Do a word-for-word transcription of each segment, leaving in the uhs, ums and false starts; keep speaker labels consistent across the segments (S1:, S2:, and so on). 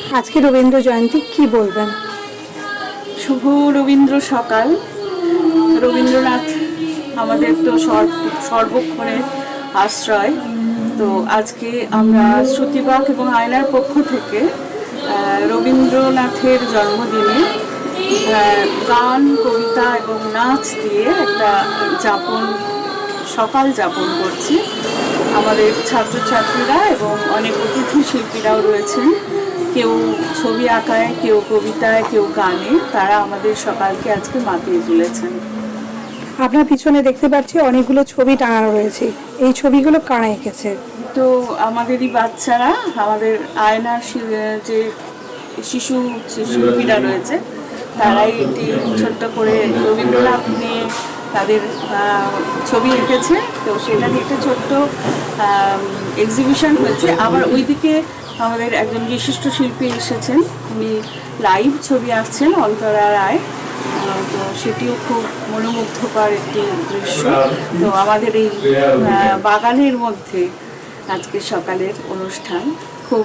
S1: আজকে রবীন্দ্র জয়ন্তী, কি বলবেন?
S2: শুভ রবীন্দ্র সকাল। রবীন্দ্রনাথ আমাদের তো সর্বক্ষণের আশ্রয়। তো আজকে আমরা শ্রুতিবাক এবং আয়নার পক্ষ থেকে রবীন্দ্রনাথের জন্মদিনে গান, কবিতা এবং নাচ দিয়ে একটা যাপন সকাল যাপন করছি। আমাদের ছাত্রছাত্রীরা এবং অনেক অতিথি শিল্পীরাও রয়েছেন, কেউ ছবি আঁকায়, কেউ কবিতায়, কেউ গানে। তারা আমাদের সকালকে আজকে মাতিয়ে তুলেছেন।
S1: আপনার পিছনে দেখতে পাচ্ছি অনেকগুলো ছবি টাঙানো রয়েছে, এই ছবিগুলো কারা এঁকেছে?
S2: তো আমাদেরই বাচ্চারা, আমাদের আয়নার যে শিশু শিল্পীরা রয়েছে, তারাই এটি ছোট্ট করে রবীন্দ্রনাথ নিয়ে তাদের ছবি এঁকেছে। তো সেটা নিয়ে একটা ছোট্ট এক্সিবিশন হয়েছে। আবার ওইদিকে আমাদের একজন বিশিষ্ট শিল্পী এসেছেন, উনি লাইভ ছবি আঁকছেন, অন্তরা রায়। তো সেটিও খুব মনোমুগ্ধকর একটি দৃশ্য। তো আমাদের এই বাগানের মধ্যে আজকে সকালের অনুষ্ঠান খুব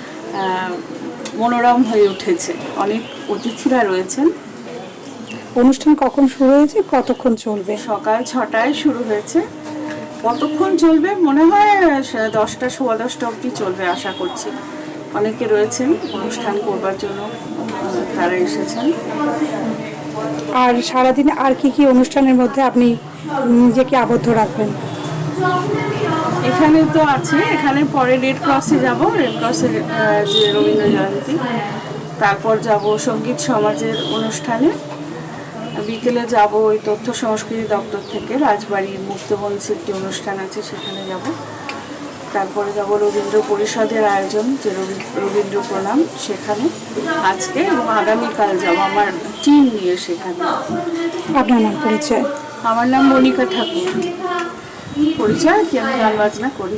S2: মনোরম হয়ে উঠেছে। অনেক অতিথিরা রয়েছেন।
S1: অনুষ্ঠান কখন শুরু হয়েছে, কতক্ষণ চলবে?
S2: সকাল ছটায় শুরু হয়েছে। কতক্ষণ চলবে মনে হয় দশটা সোয়া দশটা অবধি চলবে আশা করছি। অনেকে রয়েছেন অনুষ্ঠান করবার জন্য, তারা এসেছেন।
S1: আর সারাদিন আর কি কি অনুষ্ঠানের মধ্যে আপনি নিজেকে আবদ্ধ রাখবেন?
S2: এখানে তো আছে, এখানে পরে রেড ক্রসে যাব, রেড ক্রসের যে রবীন্দ্র জয়ন্তী। তারপর যাব সঙ্গীত সমাজের অনুষ্ঠানে। বিকেলে যাব ওই তথ্য সংস্কৃতি দপ্তর থেকে রাজবাড়ির মুক্তমঞ্চে একটি অনুষ্ঠান আছে, সেখানে যাব। তারপরে যাব রবীন্দ্র পরিষদের আয়োজন, যে রবীন্দ্র প্রণাম, সেখানে আজকে এবং আগামীকাল যাব আমার টিম নিয়ে সেখানে।
S1: আপনার নাম, পরিচয়?
S2: আমার নাম মনিকা ঠাকুর। পরিচয় কি, আমি গান বাজনা করি।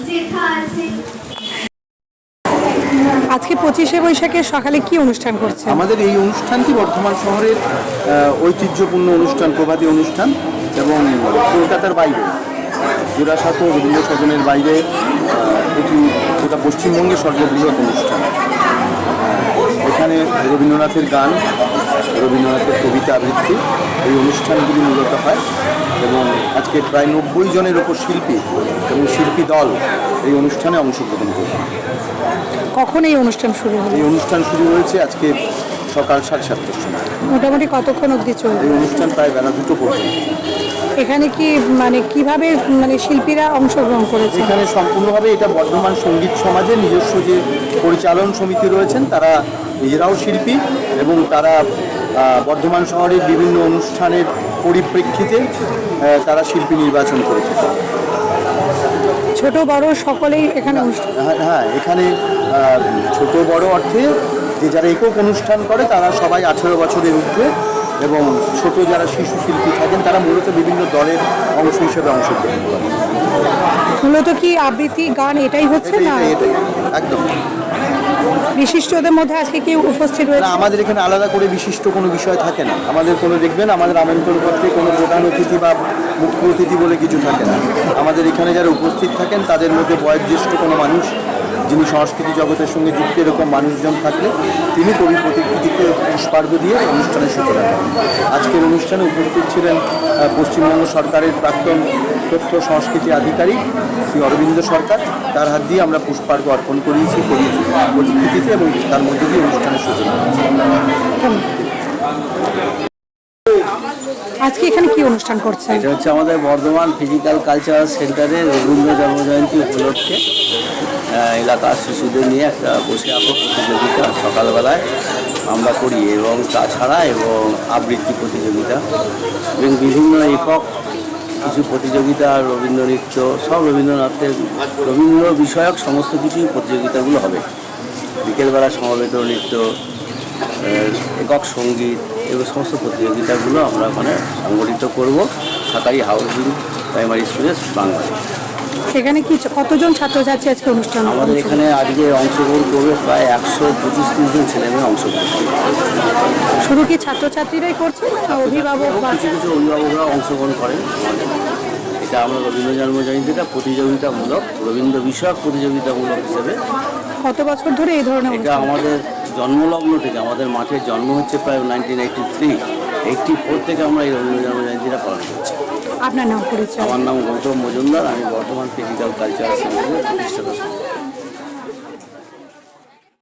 S1: আজকে পঁচিশে বৈশাখের সকালে কি অনুষ্ঠান করছে?
S3: আমাদের এই অনুষ্ঠানটি বর্ধমান শহরের ঐতিহ্যপূর্ণ অনুষ্ঠান, প্রভাতী অনুষ্ঠান, এবং কলকাতার বাইরে জোড়াসাঁকো রবীন্দ্র সদনের বাইরে এটি গোটা পশ্চিমবঙ্গের সর্ববৃহৎ অনুষ্ঠান। এখানে রবীন্দ্রনাথের গান, রবীন্দ্রনাথের কবিতা আবৃত্তি, এই অনুষ্ঠানগুলি মূলত হয়। এবং আজকে প্রায় নব্বই জনের ওপর শিল্পী এবং শিল্পী দল এই অনুষ্ঠানে অংশগ্রহণ করবে।
S1: কখন এই অনুষ্ঠান শুরু হলো?
S3: এই অনুষ্ঠান শুরু হয়েছে আজকে সকাল সাড়ে সাতটার সময়।
S1: মোটামুটি কতক্ষণ অবধি চলবে?
S3: এই অনুষ্ঠান প্রায় বেলা দুটো পর্যন্ত।
S1: এখানে কি মানে কিভাবে মানে শিল্পীরা অংশগ্রহণ করেছে?
S3: এখানে সম্পূর্ণভাবে এটা বর্ধমান সঙ্গীত সমাজের নিজস্ব যে পরিচালন সমিতি রয়েছেন, তারা নিজেরাও শিল্পী এবং তারা বর্ধমান শহরের বিভিন্ন অনুষ্ঠানের পরিপ্রেক্ষিতে তারা শিল্পী নির্বাচন করেছে।
S1: ছোট বড় সকলেই এখানে অনুষ্ঠান?
S3: হ্যাঁ, এখানে ছোট বড় অর্থে যে যারা একক অনুষ্ঠান করে তারা সবাই আঠেরো বছরের ঊর্ধ্বে, এবং ছোট যারা শিশু শিল্পী থাকেন তারা মূলত বিভিন্ন দলের অংশ হিসেবে অংশগ্রহণ করে।
S1: মূলত কি আবৃত্তি, গান এটাই হচ্ছে না?
S3: এটাই একদম।
S1: বিশিষ্টদের মধ্যে আজকে কেউ উপস্থিত রয়েছে?
S3: আমাদের এখানে আলাদা করে বিশিষ্ট কোনো বিষয় থাকে না। আমাদের কোনো, দেখবেন আমাদের আমন্ত্রণপত্রে কোনো প্রধান অতিথি বা মুখ্য অতিথি বলে কিছু থাকে না। আমাদের এখানে যারা উপস্থিত থাকেন তাদের মধ্যে বয়োজ্যেষ্ঠ কোনো মানুষ, যিনি সংস্কৃতি জগতের সঙ্গে যুক্ত, এরকম মানুষজন থাকলে তিনি কবি প্রতিকৃতিকে পুষ্পার্ঘ দিয়ে অনুষ্ঠানের সূচনা করেন। আজকের অনুষ্ঠানে উপস্থিত ছিলেন পশ্চিমবঙ্গ সরকারের প্রাক্তন তথ্য সংস্কৃতি আধিকারিক শ্রী অরবিন্দ সরকার। তার হাত দিয়ে আমরা পুষ্পার্ঘ অর্পণ করিয়েছি কবি প্রতিকৃতিতে, এবং তার মধ্যে দিয়ে অনুষ্ঠানের সূচনা করেছি।
S1: আজকে এখানে কি অনুষ্ঠান করছে?
S4: এটা হচ্ছে আমাদের বর্ধমান ফিজিক্যাল কালচারাল সেন্টারে রবীন্দ্র জন্মজয়ন্তী উপলক্ষে এলাকার শিশুদের নিয়ে একটা বসে আঁকো প্রতিযোগিতা সকালবেলায় আমরা করি, এবং তাছাড়া এবং আবৃত্তি প্রতিযোগিতা এবং বিভিন্ন একক কিছু প্রতিযোগিতা, রবীন্দ্র নৃত্য, সব রবীন্দ্রনাথের রবীন্দ্র বিষয়ক সমস্ত কিছুই প্রতিযোগিতাগুলো হবে। বিকেলবেলা সমবেত নৃত্য, একক সঙ্গীত, এগুলো সমস্ত প্রতিযোগিতাগুলো আমরা ওখানে সংগঠিত করব সাতারি হাউজিং প্রাইমারি স্কুলে বাংলায়।
S1: সেখানে কি কতজন ছাত্রছাত্রী আজকে অনুষ্ঠান?
S4: আমাদের এখানে আজকে অংশগ্রহণ করবে প্রায় একশো পঁচিশ ত্রিশ জন ছেলেমেয়ে অংশগ্রহণ করবে।
S1: শুধু কি ছাত্রছাত্রীরাই করছে না অভিভাবক?
S4: কিছু কিছু অভিভাবকরা অংশগ্রহণ করেন। এটা আমরা রবীন্দ্র জন্মজয়ন্তীটা প্রতিযোগিতামূলক, রবীন্দ্র বিষয়ক প্রতিযোগিতামূলক হিসেবে
S1: কত বছর ধরে এই ধরনের
S4: এটা
S1: অনুষ্ঠান?
S4: আমাদের জন্মলগ্ন থেকে, আমাদের মাঠের জন্ম হচ্ছে প্রায় nineteen eighty three eighty four থেকে আমরা এই রবীন্দ্র জন্মজয়ন্তীটা পালন করছি।
S1: আপনার নাম পরিচয়?
S4: আমার নাম গৌতম মজুমদার, আমি বর্ধমান ফিজিক্যাল কালচার সেন্টারের প্রতিষ্ঠাতা।